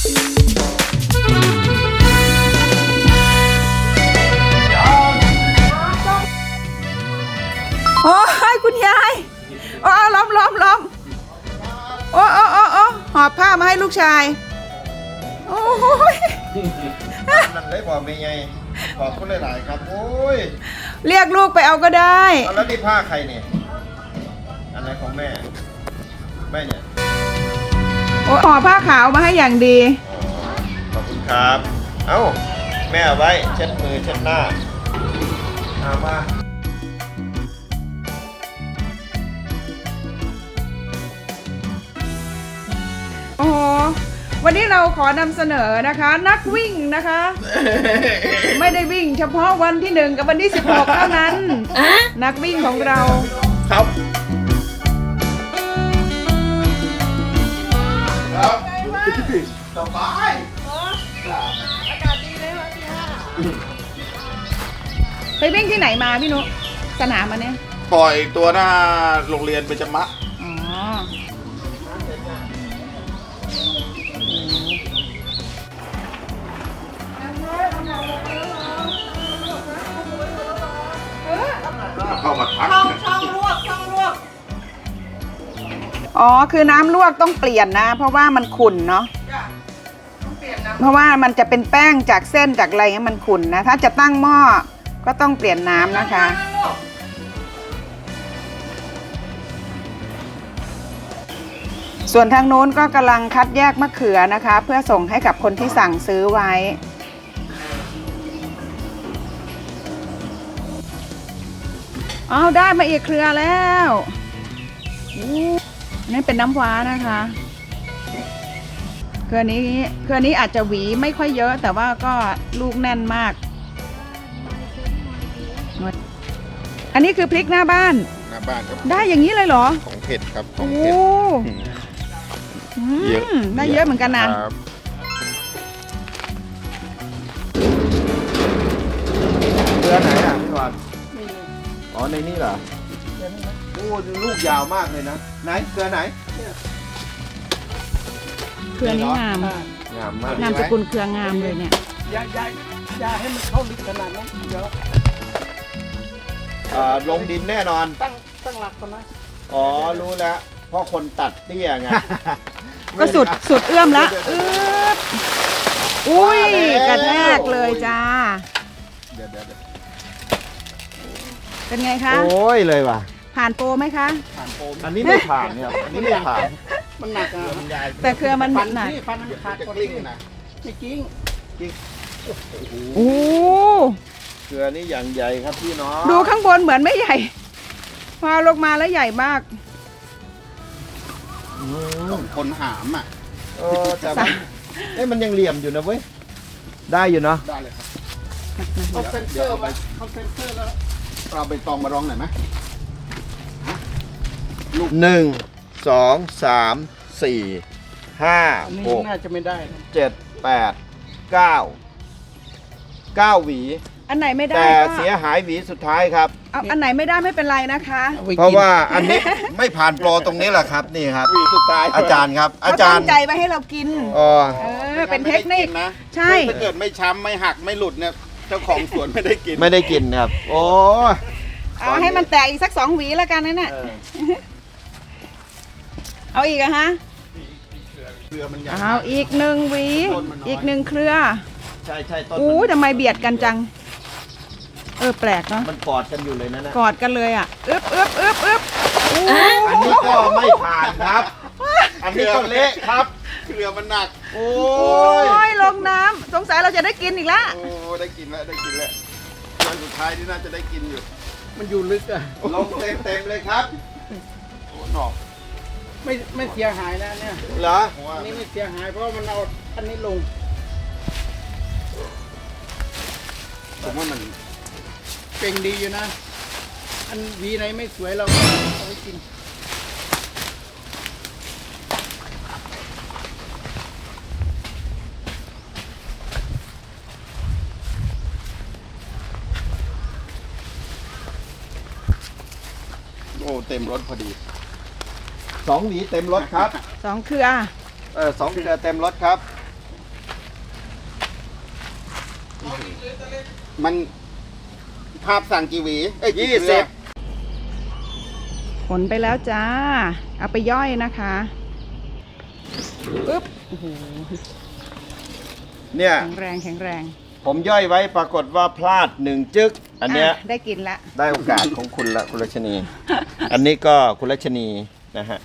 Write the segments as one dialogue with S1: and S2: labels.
S1: โอ้ยคุณยายล้มโอ้หอบผ้ามาให้ลูกชายโอ้ย
S2: มันได้บอกไม่ไงขอบคุณหลายๆครับโอ้ย
S1: เรียกลูกไปเอาก็ได้
S2: เอาแล้วนี่ผ้าใครเนี่ยอันไหนของแม่เนี่ย
S1: โอ้ห่อผ้าขาวมาให้อย่างดี
S2: อ๋อขอบคุณครับ เอ้าแม่เอาไว้เช็ดมือเช็ดหน้าเอามา
S1: โอ้โหวันนี้เราขอนำเสนอนะคะ นักวิ่งนะคะ ไม่ได้วิ่งเฉพาะวันที่1กับวันที่16เท่านั้น นักวิ่งของเรา
S2: ครับสบาย
S1: ไปวิ่งที่ไหนมาพี่นุสนามมาเนี่ย
S3: ปล่อยตัวหน้าโรงเรียนเบญจมะ
S1: อ๋อ
S3: เข้ามาทัก
S1: อ๋อคือน้ำลวกต้องเปลี่ยนนะ เพราะว่ามันขุ่นเนาะเพราะว่ามันจะเป็นแป้งจากเส้นจากอะไรเงี้ยมันขุ่นนะถ้าจะตั้งหม้อก็ต้องเปลี่ยนน้ำนะคะ ส่วนทางโน้นก็กำลังคัดแยกมะเขือนะคะ เพื่อส่งให้กับคนที่สั่งซื้อไว้อ้าวได้มาอีกเครือแล้วนี่เป็นน้ำว้านะคะเครือนี้อาจจะหวีไม่ค่อยเยอะแต่ว่าก็ลูกแน่นมากอันนี้คือพริกหน้าบ้าน
S3: หน้าบ้านครับ
S1: ได้อย่างนี้เลยเหรอ
S3: ของเผ็ดครับขอ
S1: โอ้
S3: งเผ็ด เยอะ
S1: ได้เยอะเหมือนกันนะ
S3: ครับ
S2: เรือไหนอ่ะพี่วานอ๋อในนี่เหรอโอ้ลูกยาวมากเลยนะไหนเรือไหน
S1: เครือนี้งาม
S2: งามมาก
S1: นามสกุลเครืองามเลยเนี่ย
S4: อย่าให้มันเข้าลึกขนาดนั้นเดี๋ยว
S2: ลงดินแน่นอน
S4: ตั้งหลักก่อนนะ
S2: อ๋อรู้แล้วเพราะคนตัดเตี้ยไง
S1: ก็สุดเอื้อมละอุ้ยกระแทกเลยจ้า
S3: เดี๋ยว
S1: เป็นไงคะ
S2: โอ้ยเลยว่ะ
S1: ผ่านโปรไหมคะ
S3: ผ่านโฟม
S2: อันนี้ไม่ผ่านเนี่ยอันนี้ไม่ผ่าน
S4: มันหนักอ่ะ
S3: มันใหญ่
S1: แต่เครือมัน
S4: ฟัน
S1: หนัก
S4: ที่ฟันมันขาด
S3: จะ
S4: ก่อน
S3: กลิ้งนะ
S4: ไม่จริง
S1: โอ้
S2: เกลือนี่อย่างใหญ่ครับพี่น้อง
S1: ดูข้างบนเหมือนไม่ใหญ่ พอลงมาแล้วใหญ่มาก
S3: ต้องคนหามอ่ะ
S2: แต่มันมันยังเหลี่ยมอยู่นะเว้ยได้อยู่เนาะ
S3: ได้เลยครับ
S4: เขาเซ็นเซอร์ไปเขาเซ็นเซอร์แล้ว
S3: เราไปตองมาร้องหน่อยไหม
S2: 1 2 3 4 5
S4: อันนี้
S2: 6
S4: น่าจะไม่ได้นะ
S2: 7 8 9 หวี
S1: อันไหนไม่ได้
S2: แต่
S1: ก็
S2: เสียหายหวีสุดท้ายครับ
S1: เอาอันไหนไม่ได้ไม่เป็นไรนะคะ
S4: อไกิน
S2: เพราะว่าอันนี้ไม่ผ่านโปรตรงนี้แหละครับนี่ครับ
S3: หวีสุดท้าย
S2: อาจารย์ครับ อา
S1: เขา
S2: จา
S1: ตั้
S2: รง ย์
S1: ใจไว้ให้เรากิน
S2: อ๋อ
S1: เป็นเทคนิค
S3: นะ
S1: ใช่
S3: ถ้าเกิดไม่ช้ำไม่หักไม่หลุดเนี่ยเจ้าของสวนไม่ได้กิน
S2: ไม่ได้กินครับ โอ้ย
S1: เอาให้มันแตกอีกสัก2 หวีแล้วกันนั่นน่ะ เอาอีกอะฮะ
S3: เครือมันใหญ่
S1: เอาอีก1 หวี อีก1 เครือ
S2: ใช่ต้น
S1: อู้ทำไมเบียดกันจัง แปลกเนาะ
S2: มันกอดกันอยู่เลยนะ
S1: กอดกันเลยอ่ะอึบอู้
S2: อันนี้ก็ไม่ผ่านครับ อันนี้ก็เละครับ
S3: เครือมันหนัก
S2: โอ้
S1: โอ้
S2: ย
S1: ยลงน้ำสงสัยเราจะได้กินอีกแล้ว
S3: โอ้ได้กินแล้ววันสุดท้ายที่น่าจะได้กินอยู่
S4: มันอยู่ลึกอ่ะ
S2: ลงเต็มเลยครับ
S3: โอ้หนอก
S4: ไม่เสียหายนะเนี่ย
S2: เหรอ
S3: เพราะว่า
S4: อันนี้ไม่เสียหายเพราะว่ามันเอาอันนี้ลง
S3: ผมว่ามัน
S4: เก่งดีอยู่นะ อันหวีไหนไม่สวยเราเอาไว้กิน
S3: โอ้เต็มรถพอดี
S2: 2 หวีเต็มรถครับ
S1: 2 เครือ
S2: 2 เครือเต็มรถครับ
S3: มันภาพสั่งกี่หวีกี่
S2: 20
S3: เครือ
S1: ขนไปแล้วจ้า เอาไปย่อยนะคะปึ๊บโอ้โห
S2: เนี่ย
S1: แข็งแรงแข็งแรง
S2: ผมย่อยไว้ปรากฏว่าพลาด1 จึ๊กอันเนี้ย
S1: ะได้กินละ
S2: ได้โอกาสของคุณละคุณรัชนี อันนี้ก็คุณรัชนีนะฮะ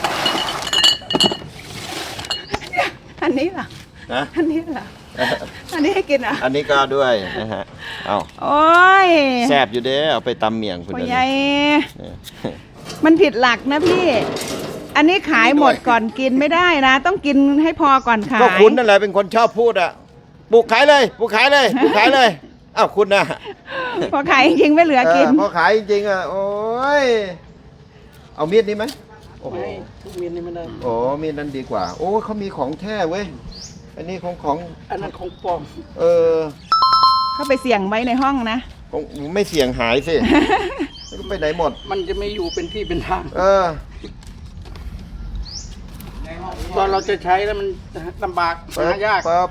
S1: อันนี้เหรอ
S2: นะ
S1: อันนี้เหรอ อันนี้ให้กินเหรอ่ะ
S2: อันนี้ก็ด้วยนะฮะ เอา
S1: โอ้ย
S2: แซ่บอยู่เด้เอาไปตำเมี่ยงคุณ
S1: พ่อ
S2: เดี๋ยว
S1: ใหญ่
S2: นี้
S1: มันผิดหลักนะพี่ อันนี้ขายหมดก่อนกินไม่ได้นะ ต้องกินให้พอก่อนขาย
S2: ก็คุณนั่นแหละเป็นคนชอบพูดอ่ะปลูกขายเลยปลูกขายเลยปลูกขายเลยอ้าวคุณนะ
S1: พอขายจริงๆไม่เหลือกิน
S2: พอขายจริงๆอ่ะโอ้ยเอามีดนี้ไหมโอ้โห
S4: ทุกเมียนนี่ไม่ได้
S2: โอ้มีดนั้นดีกว่า โอ้เขามีของแท้เว้ยอันนี้ของ
S4: อันนั้นของปลอม
S2: เออ
S1: เข้าไปเสี่ยงไว้ในห้องนะ
S2: ของไม่เสี่ยงหายสิไม่รู้ไปไหนหมด
S4: มันจะไม่อยู่เป็นที่เป็นทาง
S2: เออ
S4: ตอนเราจะใช้แล้วมันลำบากหายาก
S2: ปั๊บ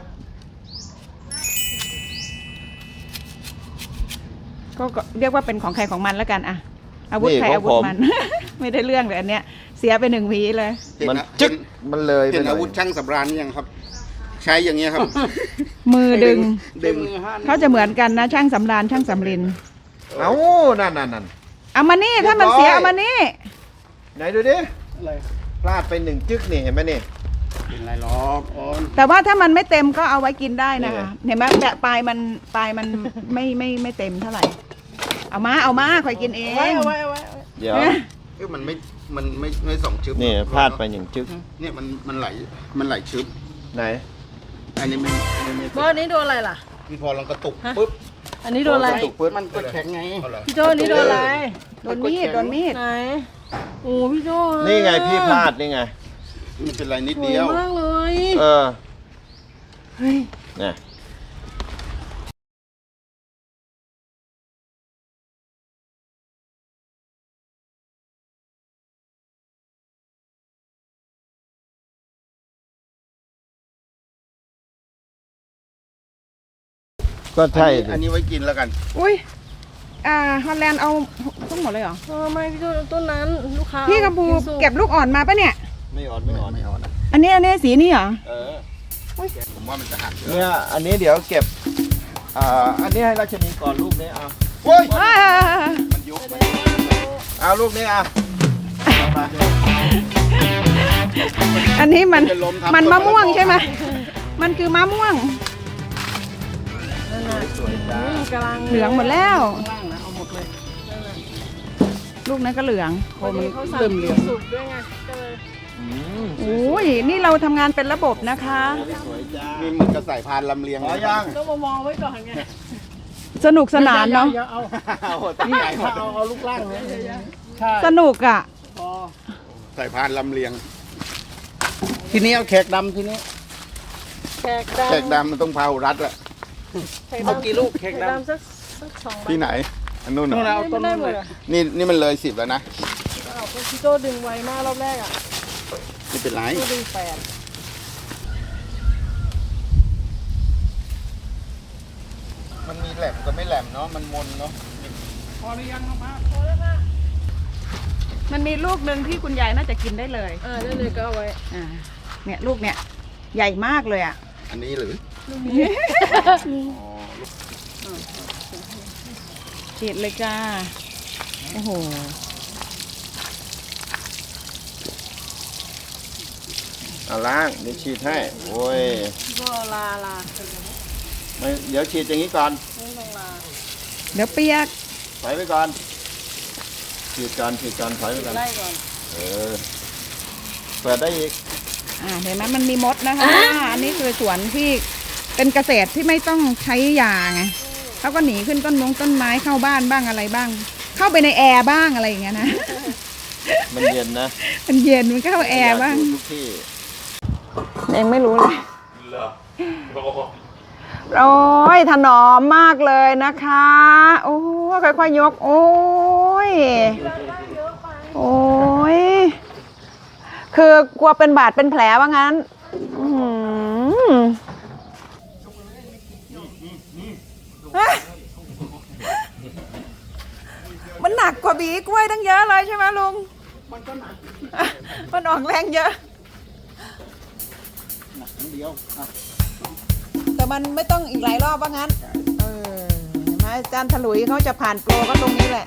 S1: ก็เรียกว่าเป็นของใครของมันแล้วกันอะอาวุธใครอาวุธมัน ไม่ได้เรื่องเลยอันเนี้ย เสียไป1 หวีเลย
S2: มันจึ๊กมันเลยไป
S3: เห็น
S2: หน่
S3: อา
S2: อย
S3: วุธช่างสำราญยังครับ ใช้อย่างเงี้ยครับ
S1: มือดึง
S4: ดึงมือห้า
S1: เขาจะเหมือนกันนะช่างสำราญช่างสำลิน
S2: เอ้านั่น
S1: เอามานี่ถ้ามันเสียเอามานี่
S2: ไหนดูดิ
S4: อะไร
S2: พลาดไป1 จึ๊กนี่เห็นไหมนี่
S4: เป็นไรหรอกอ๋อ
S1: แต่ว่าถ้ามันไม่เต็มก็เอาไว้กินได้นะคะ
S2: นี่ไง
S1: เห็นไหมแบบปลายมันไม่เต็มเท่าไหร่ เอามาคอยกินเอง
S4: เอาไว้
S2: เดี๋ยว
S3: มันไม่สองชึบ
S2: นี่พลาดไป1 จึ๊ก
S3: เนี่ยมันไหลชึบ
S2: ไหน
S3: อันนี้ไม่
S5: บอสนี้โดนอะไรล่ะ
S3: มันพอลองกระตุกปุ๊บ
S5: อันนี้โดนอะไร
S2: กระตุกปึ๊ด
S4: มันก็แข็งไง
S3: เอาเหรอ
S5: พี่โจนี่โดนอะไร
S1: โดนมีด
S5: ไหน โอ้พี่โจ
S2: นี่ไงพี่พลาดนี่ไง
S3: มันเป็นไรนิด
S5: สว
S3: เดี
S5: ย
S3: ยว
S5: มากเลย
S2: เออ
S5: เฮ้ย
S2: เนี่ย ก็ใช่สิ
S3: อันนี้ไว้กินแล้วกัน
S1: อุ้ยฮอลแลนด์เอาทั้งหมดเลยเหรอ
S5: ไม่พี่โจต้นนั้นลูกค้า
S1: พี่กัมพู
S5: กินสุก
S1: เก็บลูกอ่อนมาปะเนี่ย
S2: ไม่อ่อน
S1: อันนี้สีนี่เหรอ
S2: เออ
S3: ผมว่ามันจะหัก
S2: เนี่ยอันนี้เดี๋ยวเก็บ อันนี้ให้ราชนีก่อนลูกนี้เอา
S3: โอ้ย
S1: อ่า
S3: มันยกไป
S2: เอาลูกนี้เอาไป
S1: อันนี้มัน
S3: เป็นลมทำ
S1: มันมะม่วงใช่ไหมมันคือมะม่วง
S2: สวยจ้า
S5: กำลัง
S1: เหลืองหมดแล้ว
S4: ล่างนะเอาหมดเลย
S1: ลูกนั้นก็เหลือง
S5: พอดีเขาสั่ง
S4: เริ่มเหลือง
S5: สุกด้วยไงก็เลย
S1: โอ้ยนี่เราทำงานเป็นระบบนะคะ
S2: สวยจ้า
S3: มีเหมือนกระสายพานลำเลียง
S2: ขอยัง
S5: ต้องมามองไว้ก่อนไง
S1: สนุกสนานเนาะ
S4: อย่เอา
S3: ตั้ง
S4: นี่
S3: ใจหมด
S4: เอาลูกล่างเลยใช่
S1: สนุกอ่ะ
S4: พอ
S3: สายพานลำเลียง
S4: ทีนี้เอาแขกดำทีนี้
S5: แขกดำ
S3: แขกดำมันต้องพาหุรัดอะ
S5: แขก
S4: เอา
S5: ดำ
S4: กี่ลูกแข
S5: แข
S4: ก
S5: ก
S4: ดำ
S5: ดำสัก2 ใบ
S3: ที่ไหน อันนู้นเหร
S4: นู่น
S3: อ
S4: เอาต้น
S5: ไม่ได้
S4: นู้น
S5: หม
S4: เล
S5: ด
S4: ย
S5: อะ
S3: นี่มันเลย10แล้วนะ
S5: เอาพี่โจดึงไวมากรอบแรกอ่ะ
S3: ไม่เป็นไร
S5: พี่ดึง8
S3: มันมีแหลมกับไม่แหลมเนาะ มันมนเนาะ
S4: พอหรือยังครับมา
S5: พอแล้วค่ะ
S1: มันมีลูกหนึ่งที่คุณยายน่าจะกินได้เลย
S5: ได้เลยก็เอาไว้
S1: เนี่ยลูกเนี่ยใหญ่มากเลยอ่ะ
S3: อันนี้หรือ
S1: ฉีดเลยจ้า โอ้โห
S2: เอาล้างเดี๋ยวฉีดให้ โอ้ย
S5: ก็ลา
S2: ไม่เดี๋ยวฉีดอย่างนี้ก่อน
S5: ไม่ต้องลา
S1: เดี๋ยวเปียก
S2: ถอยไปก่อน ฉีดก่อนถอยไปก่อน
S5: ไล่ก่อน
S2: เออ เปิดได้อีก
S1: เห็นไหมมันมีมดนะคะ อันนี้คือสวนที่เป็นเกษตรที่ไม่ต้องใช้ยาไงเขาก็หนีขึ้นต้นไม้เข้าบ้านบ้างอะไรบ้าง เข้าไปในแอร์บ้างอะไรอย่างเงี้ยนะ
S2: มันเย็นนะ
S1: มันเย็นมันก็เข้าแอร์บ้าง
S2: อยกอยู่ทุกที่
S1: ยังไม่รู้เลยโอ้ยถนอมมากเลยนะคะ โอ้ยค่อยๆยก โอ้ย โอ้ย คือกลัวเป็นบาดเป็นแผลว่างั้น อื้อหือบีกล้วยตั้งเยอะเลยใช่ไหมลุง
S4: มันก็หนัก
S1: มันออกแรงเยอะ
S4: หนักนิดเดียวอ่ะ
S1: แต่มันไม่ต้องอีกหลายรอบว่างั้น เห็นไหมอาจารย์ถลุยเขาจะผ่านโปรก็ตรงนี้แหละ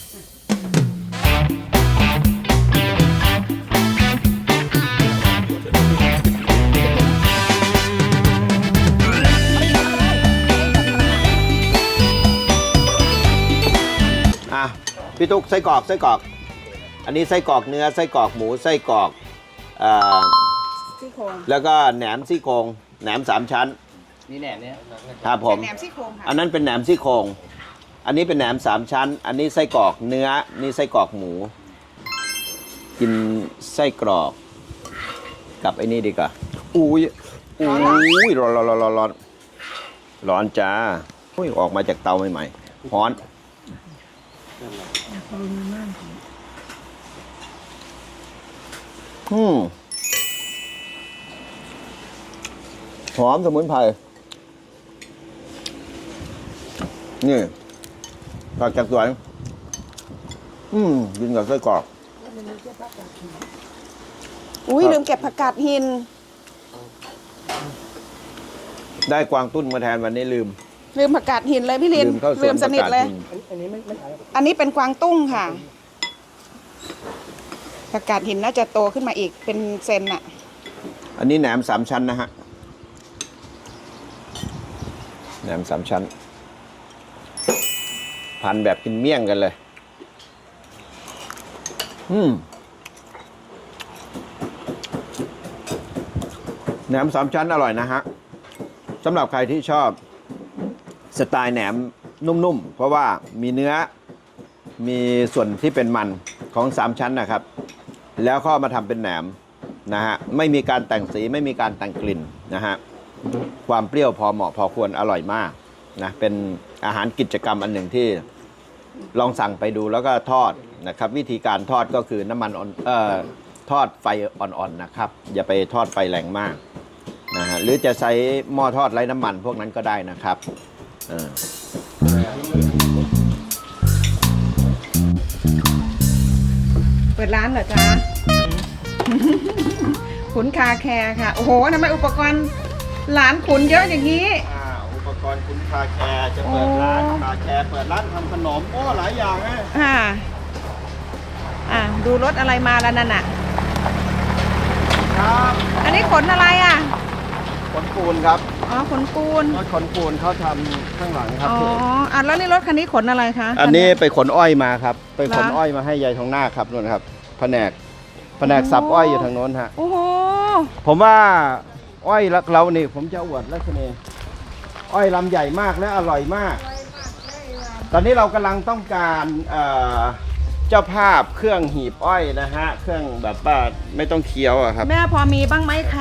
S2: อ่ะพี่ตุ๊กไส้กรอกไส้กรอก อันนี้ไส้กรอกเนื้อไส้กรอกหมูไส้กรอก
S1: ซี่โครง
S2: แล้วก็แหนมซี่โครงแหนม3 ชั้น
S4: นี่แหนมเนี่ย
S2: ครับผม
S1: เป็นแหนมซี่โครงค่ะ
S2: อันนั้นเป็นแหนมซี่โครงอันนี้เป็นแหนม3 ชั้น อันนี้ไส้กรอกเนื้อนี่ไส้กรอกหมู กินไส้กรอกกับไอ้นี่ดีกว่าอุ้ยร้อนร้อนจ้าอุ้ยออกมาจากเตาใหม่ๆร้อนหอมสมุนไพรนี่ผักจากสวนกินกับไส้กรอก
S1: อุ้ยลืมเก็บผักกาดหิน
S2: ได้กวางตุ้นมาแทนวันนี้ลืม
S1: ลืมผักกาดหินเลยพี่ลิน
S2: เข้าสวน
S1: ลืมสนิทเลย
S2: ประกาศหิน
S4: อันนี้ไม่ขาย
S1: อันนี้เป็นกวางตุ้งค่ะผักกาดหินน่าจะโตขึ้นมาอีกเป็นเซนอะ
S2: อันนี้แหนม3 ชั้นนะฮะแหนม3 ชั้น พันแบบกินเมี่ยงกันเลยแหนม3 ชั้นอร่อยนะฮะสำหรับใครที่ชอบสไตล์แหนมนุ่มๆเพราะว่ามีเนื้อมีส่วนที่เป็นมันของ3 ชั้นนะครับแล้วก็มาทำเป็นแหนมนะฮะไม่มีการแต่งสีไม่มีการแต่งกลิ่นนะฮะความเปรี้ยวพอเหมาะพอควรอร่อยมากนะเป็นอาหารกิจกรรมอันหนึ่งที่ลองสั่งไปดูแล้วก็ทอดนะครับวิธีการทอดก็คือน้ำมันทอดไฟอ่อนๆนะครับอย่าไปทอดไฟแรงมากนะฮะหรือจะใช้หม้อทอดไร้น้ำมันพวกนั้นก็ได้นะครับ
S1: เปิดร้านเหรอจ๊ะ ขุนคาแคร์ค่ะ โอ้โหทำไมอุปกรณ์หลานขุนเยอะอย่างนี้
S2: อุปกรณ์คุณคาแคร์จะเปิดร้านคาแคร์เปิดร้านทำขนมหลายอย่างนะ
S1: ดูรถอะไรมาแล้วนั่นน่ะ
S2: ครับ
S1: อันนี้ขนอะไรอ่ะ
S2: ขนปูนครับ
S1: อ๋อขนปูน
S2: รถขนปูนเขาทำข้างหลังครับ
S1: อ๋อแล้วนี่รถคันนี้ขนอะไรคะ
S2: อันนี้ไปขนอ้อยมาครับ ไปขน
S1: เหรอ
S2: อ้อยมาให้ยายทองหน้าครับนู่นครับแผนกสับอ้อยอยู่ทางโน้นฮะ
S1: โอ้โห
S2: ผมว่าอ้อยเรานี่ผมจะอวดลักษณะอ้อยลำใหญ่มากและอร่อยมาก ตอนนี้เรากำลังต้องการเจ้าภาพเครื่องหีบอ้อยนะฮะเครื่องแบบว่าไม่ต้องเคี้ยวอะครับ
S1: แม่พอมีบ้างไหมคะ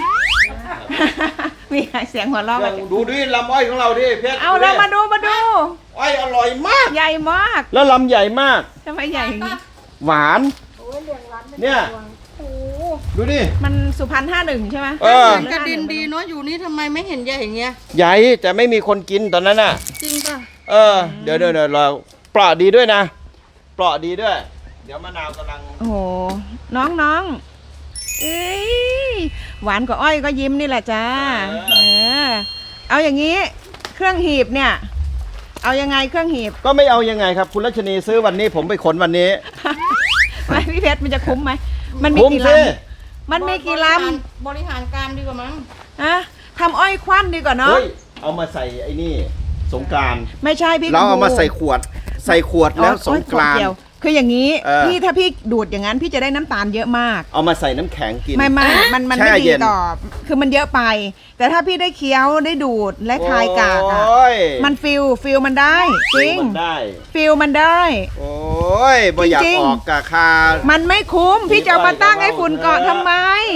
S1: มีเสียงหัวเราะ
S2: ดูดิลำอ้อยของเราดิเพชร
S1: เอาเรามาดู
S2: อ้อยอร่อยมาก
S1: ใหญ่มาก
S2: แล้วลำใหญ่มาก
S1: ทำไมใหญ่อย่างนี้
S2: หวานเนี่ย
S1: โอ้
S2: ดูดิ
S1: มันสุพรรณ51ใช่ไหม
S5: กระดินดีเนาะอยู่นี่ทำไมไม่เห็นใหญ่อย่างเงี้ย
S2: ใหญ่แต่ไม่มีคนกินตอนนั้นน่ะ
S5: จริงป่ะ
S2: เดี๋ยวเราเปราะดีด้วยนะเปราะดีด้วย เดี๋ยวมะนาวกำลัง
S1: โอ้โหน้องเอ้ยหวานกว่าอ้อยก็ยิ้มนี่แหละจ้าเอาอย่างนี้เครื่องหีบเนี่ย เอายังไงเครื่องหีบ
S2: ก็ไม่เอายังไงครับ คุณรัชนีซื้อวันนี้ผมไปขนวันนี้
S1: ไม่พี่เพชรมันจะคุ้มไหมมันมี
S2: คุ้ม
S1: กี่ล
S2: สิ
S1: ำมันมีกี่ล
S5: บริหารการดีกว่ามั้ง
S1: ำอะทำอ้อยควันดีกว่าเนาะ
S2: เฮ้ยเอามาใส่ไอ้นี่สงกรานต์
S1: ไม่ใช่พี่
S2: เราเอามา
S1: กระพู
S2: ใส่ขวดแล้วสงกราน
S1: เดี
S2: ต์
S1: ยวคืออย่างนี้
S2: พี่
S1: ถ้าพี่ดูดอย่างนั้นพี่จะได้น้ำตาลเยอะมาก
S2: เอามาใส่น้ำแข็งกิน
S1: ไม่มัน
S2: แช่
S1: ไม่
S2: เย็
S1: ดี
S2: น
S1: ต่อคือมันเยอะไป แต่ถ้าพี่ได้เคี้ยวได้ดูดและคายกากอะ
S2: โอ้ย
S1: มันฟิลมันได้จริง
S2: มันได้
S1: ฟิลมันได้
S2: โอ้ยบ่อยาก
S1: จริงๆ
S2: ออกกะคา
S1: มันไม่คุ้มพี่จะเอามาตั้งให้ฝุ่นเกาะทำไม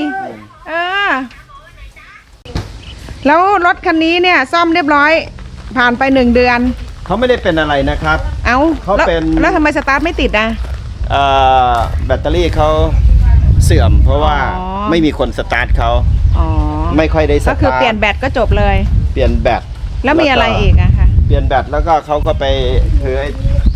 S1: แล้วรถคันนี้เนี่ยซ่อมเรียบร้อย ผ่านไป1 เดือน
S2: เขาไม่ได้เป็นอะไรนะครับ
S1: เอา
S2: เขา
S1: แล้ว
S2: เป็น
S1: แล้วทำไมสตาร์ทไม่ติดอ่ะ
S2: แบตเตอรี่เขาเสื่อม เพราะว่า
S1: อ๋อ
S2: ไม่มีคนสตาร์ทเขา
S1: อ๋อ
S2: ไม่ค่อยได้ส
S1: ก็
S2: ตาร์ท
S1: คือเปลี่ยนแบตก็จบเลย
S2: เปลี่ยนแบต
S1: แล้วมีอะไรอีกอะคะ
S2: เปลี่ยนแบตแล้วก็เขาก็ไปคือ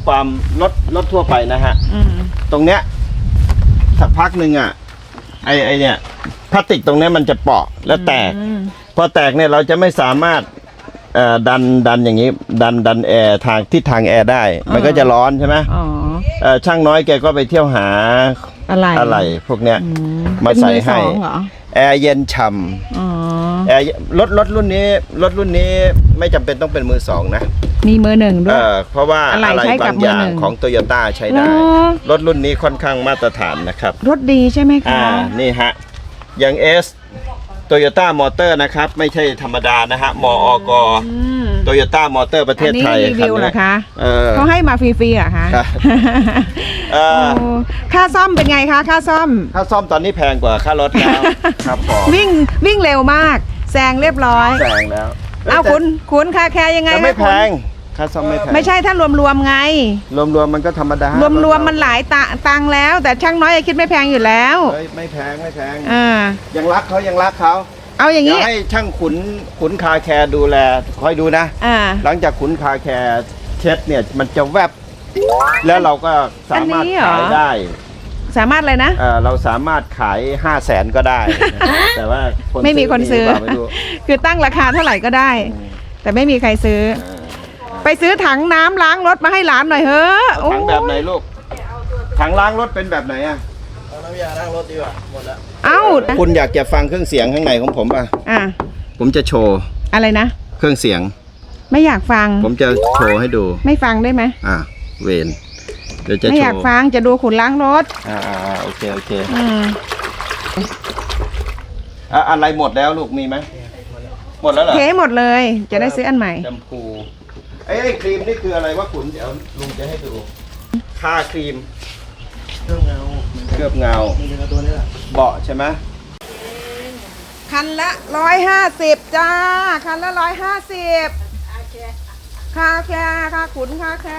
S2: ความรถทั่วไปนะฮะ
S1: อืม
S2: ตรงเนี้ยสักพักหนึ่งอ่ะไอเนี่ยพลาสติกตรงเนี้ยมันจะเปาะแล้วแตก
S1: อืม
S2: พอแตกเนี่ยเราจะไม่สามารถดันอย่างนี้ดันแอร์ทางทิศทางแอร์ได้ มันก็จะร้อนใช่ไหม
S1: อ๋อ
S2: ช่างน้อยแกก็ไปเที่ยวหา
S1: อะไร
S2: พวกเนี้ย
S1: อื
S2: มาใส่ให้
S1: เป็นมือสองเหรอ
S2: แอร์เย็นฉ่
S1: อ๋อ
S2: ำแอร์รถรุ่นนี้ไม่จำเป็นต้องเป็นมือสองนะ
S1: มีมือหนึ่งด้วย
S2: เพราะว่า
S1: อะไร
S2: อะไร
S1: ใช้กั
S2: บา
S1: บ
S2: งอย่าง
S1: มือหนึ่ง
S2: ของโตโยต้าใช้ได้
S1: เหรอ
S2: รถรุ่นนี้ค่อนข้างมาตรฐานนะครับ
S1: รถดีใช่ไหมคะ
S2: นี่ฮะอย่าง S โตโยต้ามอเตอร์นะครับ ไม่ใช่ธรรมดานะฮะมอกโตโยต้ามอเตอร์ประเทศไทย
S1: อันนี้รีวิวเหรอคะ
S2: เออ
S1: เขาให้มาฟรีๆเหรอคะ
S2: ครับ เออ
S1: โอ้ค่าซ่อมเป็นไงคะค่าซ่อม
S2: ค่าซ่อมตอนนี้แพงกว่าค่ารถแล้ว ครับผม
S1: วิ่งเร็วมากแซงเรียบร้อย
S2: แพงแล้ว
S1: เอาคุณค่าแคร์ยังไง
S2: แต่ไม่
S1: คะ
S2: แพ
S1: คุณ
S2: งค่าซ่อมไม่แพง
S1: ไม่ใช่ถ้ารวมๆไง
S2: รวมๆมันก็ธรรมดาร
S1: วมๆมันหลายตังค์แล้ว แต่ช่างน้อยคิดไม่แพงอยู่แล้ว
S2: เฮ้ยไม่แพง
S1: อ่า
S2: ยังรักเขา
S1: เอาอย่าง
S2: เดี๋ย
S1: นี้
S2: วให้ช่างขุนคาแคร์ดูแลคอยดูนะ
S1: อ่า
S2: หลังจากขุนคาแคร์เช็ดเนี่ยมันจะแวบ แล้วเราก็สามารถ
S1: อันนี้เหรอ
S2: ขายได้
S1: สามารถเลยนะ
S2: เราสามารถขาย 500,000 ก็ได้นะแต่ว่า
S1: ไม่มีคนซื้อ
S2: หรือเปล่าไม่รู้
S1: คือตั้งราคาเท่าไหร่ก็ได้ แต่ไม่มีใครซื้อ ไปซื้อถังน้ำล้างรถมาให้หลานหน่อยเฮ้อะ
S2: เอาถังแบบไหนลูกถังล้างรถเป็นแบบไหนอ่ะ
S4: เอาน้ำยาล้างรถดีกว่าหมดแล้ว
S1: เอ้า
S2: คุณอยากจะฟังเครื่องเสียงข้างในของผมป่ะ
S1: อ่ะ
S2: ผมจะโชว์
S1: อะไรนะ
S2: เครื่องเสียง
S1: ไม่อยากฟัง
S2: ผมจะโชว์ให้ดู
S1: ไม่ฟังได้ไหม
S2: เวนเดี๋ยวจะ
S1: ไม่
S2: โช
S1: อยาก
S2: ว์
S1: ฟังจะดูขุนล้างรถ
S2: โอเค
S1: อืม
S2: อะไรหมดแล้วลูกมีไหมหมดแล้วเหรอ
S1: เทหมดเลย จะได้ซื้ออันใหม่
S2: แชมพูไอ้ครีมนี่คืออะไรวะขุนเดี๋ยวลุงจะให้ดูทาครีม
S4: เครื่องเงา
S2: เคลือบเงา
S4: มันเป็นตัวนี้แหละ
S2: เบาะใช่ไหม
S1: คันละ150จ้า คันละ150ค่าแค่ค่าขุนค่าแค่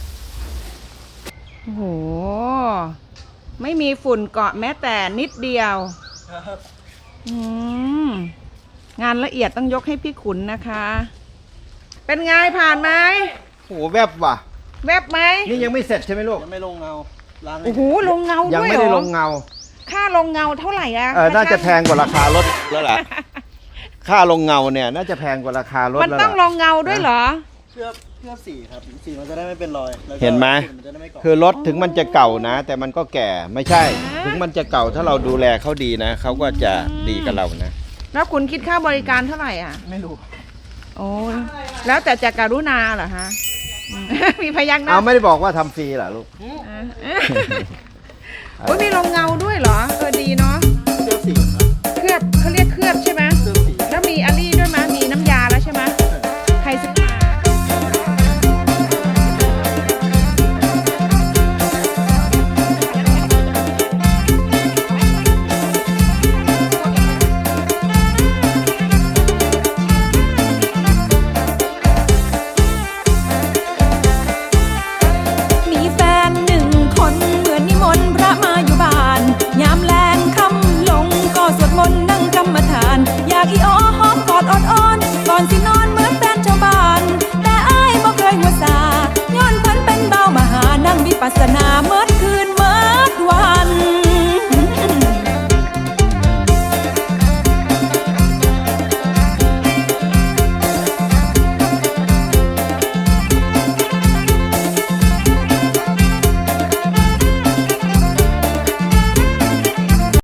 S1: โอ้โห ไม่มีฝุ่นเกาะแม้แต่นิดเดียวอืมงานละเอียดต้องยกให้พี่ขุนนะคะ เป็นไงผ่านไหม
S2: โหแวบว่ะ
S1: แวบไหม
S2: นี่ยังไม่เสร็จใช่ไหมลูก
S4: ยังไม่ลงเงาล้าง
S1: โอ้โหลงเงา
S2: ยัง
S1: ด้วย
S2: ไม่
S1: เหร
S2: ได้
S1: อ
S2: ลงเงา
S1: ค่าลงเงาเท่าไหร่อะ
S2: น่าจะแพงกว่าราคารถแล้วล่ะ ค่าลงเงาเนี่ยน่าจะแพงกว่าราคารถ
S1: มัน
S2: แล้ว
S1: ต้องล
S2: ล่ะ
S1: งเงาด้วยเหรอ
S4: เคลือบสีครับสีมันจะได้ไม่เป็นรอยแล้วก็
S2: เห็นไหม
S4: ฝุ่นนจะได้ไม่เกาะ
S2: คือรถถึงมันจะเก่านะ แต่มันก็แก่ไม่ใช่ ถึงมันจะเก่าถ้าเราดูแลเขาดีนะเขาก็จะดีกับเรานะ
S1: แล้วคุณคิดค่าบริการเท่าไหร่อ่ะ
S4: ไม่รู้
S1: โอ้ยแล้วแต่จะการุณาเหรอฮะอืม มีพยักหน้า
S2: เอาไม่ได้บอกว่าทำฟรีเหรอลูก
S1: โอ้ยมีลงเงาด้วยเหรอ ดีเนาะ
S4: เคลือบสีครับ
S1: เคลือบเขาเรียกเคลือบใช่ไหม
S4: เคลือบสี
S1: แล้วมีอันนี้ด้วยมั้ยมีน้ำยาแล้วใช่ไหมใครซื้อมา
S6: มีแฟนหนึ่งคนเหมือนนิมนต์พระมาอยู่บ้าน ยามแลงค่ำลงก็สวดมนต์นั่งกรรมฐาน อยากอีอ้อหอมกอดอดอ้อนก่อนสินอนเหมือนแฟนชาวบ้าน แต่อ้ายบ่เคยหัวซาย้อนเพิ่นเป็นเบามหานั่งวิปัสสนา